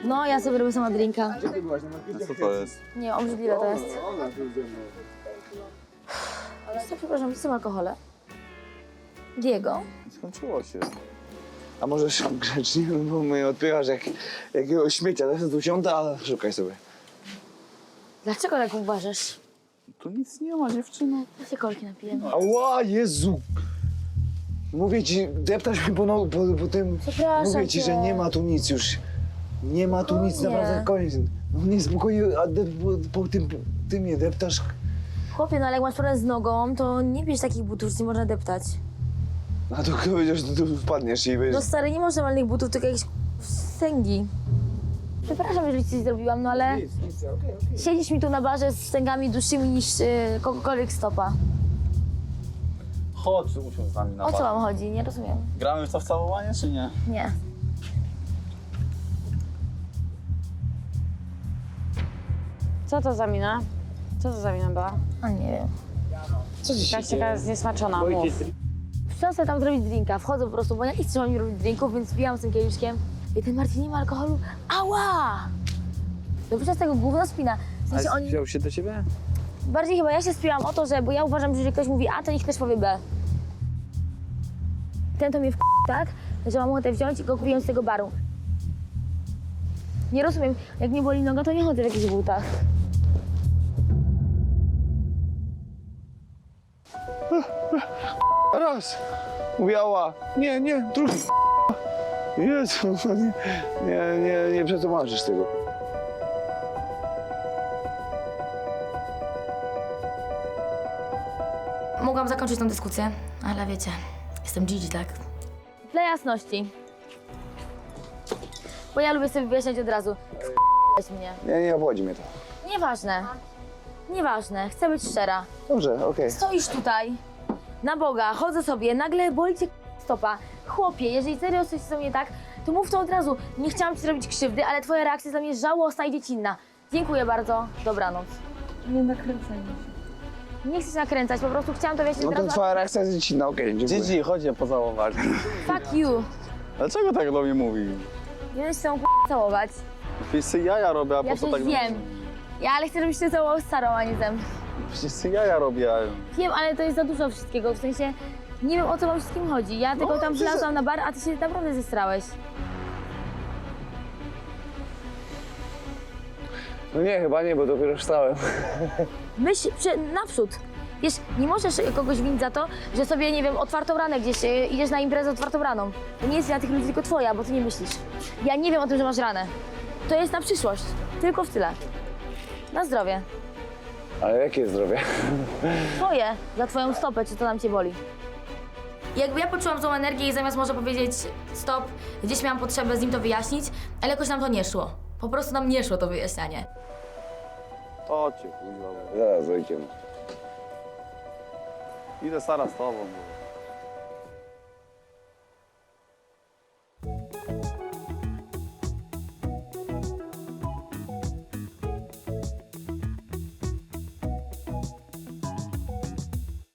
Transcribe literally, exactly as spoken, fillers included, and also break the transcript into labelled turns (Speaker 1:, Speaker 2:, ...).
Speaker 1: No, ja sobie robię sama drinka.
Speaker 2: A co to jest?
Speaker 1: Nie, obrzydliwe to jest. Co, przepraszam, co są alkohole? Diego?
Speaker 2: Skończyło się.
Speaker 3: A może szam grzecznie, bo mnie odpychasz jak jakiegoś śmiecia. Teraz tu siądę, a szukaj sobie.
Speaker 1: Dlaczego tak uważasz?
Speaker 2: Tu nic nie ma, dziewczyno.
Speaker 1: Ja się kolki napiję.
Speaker 3: Ała, Jezu! Mówię ci, deptasz mi po, no, po, po tym...
Speaker 1: Przepraszam
Speaker 3: Mówię ci,
Speaker 1: cię.
Speaker 3: że nie ma tu nic już. Nie ma tu nic,
Speaker 1: Spokojnie.
Speaker 3: naprawdę koniec. No nie, spokojnie, a de, po, po tym, ty mnie deptasz.
Speaker 1: Chłopie, no ale jak masz problem z nogą, to nie bierz takich butów, że nie można deptać.
Speaker 3: A to kto wiedział, że tu wpadniesz i wiesz...
Speaker 1: No stary, nie masz normalnych butów, tylko jakieś stęgi. Przepraszam, jeżeli ci coś zrobiłam, no ale
Speaker 3: Nic, nic, okej, okej.
Speaker 1: siedzisz mi tu na barze z stęgami dłuższymi niż yy, kogokolwiek stopa.
Speaker 2: Chodź, usiądź z nami na
Speaker 1: O co
Speaker 2: bar.
Speaker 1: wam chodzi? Nie rozumiem.
Speaker 2: Gramy w to w całowanie, czy nie?
Speaker 1: Nie.
Speaker 4: Co to za mina? Co to za mina była?
Speaker 1: A nie wiem.
Speaker 3: Co ci się
Speaker 4: Jakaś taka zniesmaczona, mów.
Speaker 1: Chciałam sobie tam zrobić drinka, wchodzę po prostu, bo ja nie chcę mi robić drinków, więc wbijam z tym kieliszkiem. I ten Marcin nie ma alkoholu. Ała! No przez tego gówno spina. W sensie oni...
Speaker 2: wziął się do ciebie?
Speaker 1: Bardziej chyba ja się spiłam o to, że, bo ja uważam, że jeżeli ktoś mówi A, to niech też powie B. Ten to mnie w tak, że mam ochotę wziąć i go kupiłem z tego baru. Nie rozumiem, jak mnie boli noga, to nie chodzę w jakichś butach.
Speaker 3: Raz. Mówiła. Nie, nie, drugi. Jezu, nie, nie, nie, nie przetłumaczysz tego.
Speaker 1: Mogłam zakończyć tę dyskusję, ale wiecie, jestem Gigi, tak? Dla jasności. Bo ja lubię sobie wyjaśniać od razu. F***ałeś mnie.
Speaker 3: Nie, nie obchodzi mnie to.
Speaker 1: Nieważne. Nieważne, chcę być szczera.
Speaker 3: Dobrze, okej.
Speaker 1: Stoisz tutaj, na Boga, chodzę sobie, nagle boli cię stopa. Chłopie, jeżeli serio coś jest nie tak, to mów to od razu. Nie chciałam ci zrobić krzywdy, ale twoja reakcja jest dla mnie żałosna i dziecinna. Dziękuję bardzo, dobranoc.
Speaker 4: Nie nakręcaj mnie.
Speaker 1: Nie chcę się nakręcać, po prostu chciałam to wyjaśnić
Speaker 3: No
Speaker 1: od
Speaker 3: to
Speaker 1: razu.
Speaker 3: twoja reakcja jest dziecinna, okej, dziękuję.
Speaker 2: Gigi, chodź je pocałować.
Speaker 1: Fuck you.
Speaker 2: Dlaczego tak do mnie mówi?
Speaker 1: Nie będę się z tobą całować.
Speaker 2: Przecież ty jaja robię, a
Speaker 1: Ja
Speaker 2: po co
Speaker 1: przecież
Speaker 2: tak...
Speaker 1: wiem. Ja ale chcę, żebyś się całował z Sarą, a nie ze mną.
Speaker 2: Przecież ty jaja robię.
Speaker 1: Wiem, ale to jest za dużo wszystkiego, w sensie nie wiem, o co wam wszystkim chodzi. Ja tylko tam wlazłam na bar, a ty się naprawdę zestrałeś.
Speaker 3: No nie, chyba nie, bo dopiero wstałem.
Speaker 1: Myśl prze- naprzód. Wiesz, nie możesz kogoś winić za to, że sobie, nie wiem, otwartą ranę gdzieś, e, idziesz na imprezę otwartą raną. To nie jest wina tych ludzi, tylko twoja, bo ty nie myślisz. Ja nie wiem o tym, że masz ranę. To jest na przyszłość. Tylko w tyle. Na zdrowie.
Speaker 3: Ale jakie zdrowie?
Speaker 1: Twoje, za twoją stopę, czy to nam cię boli. Jakby ja poczułam tą energię i zamiast może powiedzieć stop, gdzieś miałam potrzebę z nim to wyjaśnić, ale jakoś nam to nie szło. Po prostu nam nie szło to wyjaśnianie.
Speaker 2: To cię, kurwa.
Speaker 3: Zaraz, ojciec.
Speaker 2: Idę Sara z tobą. Bo...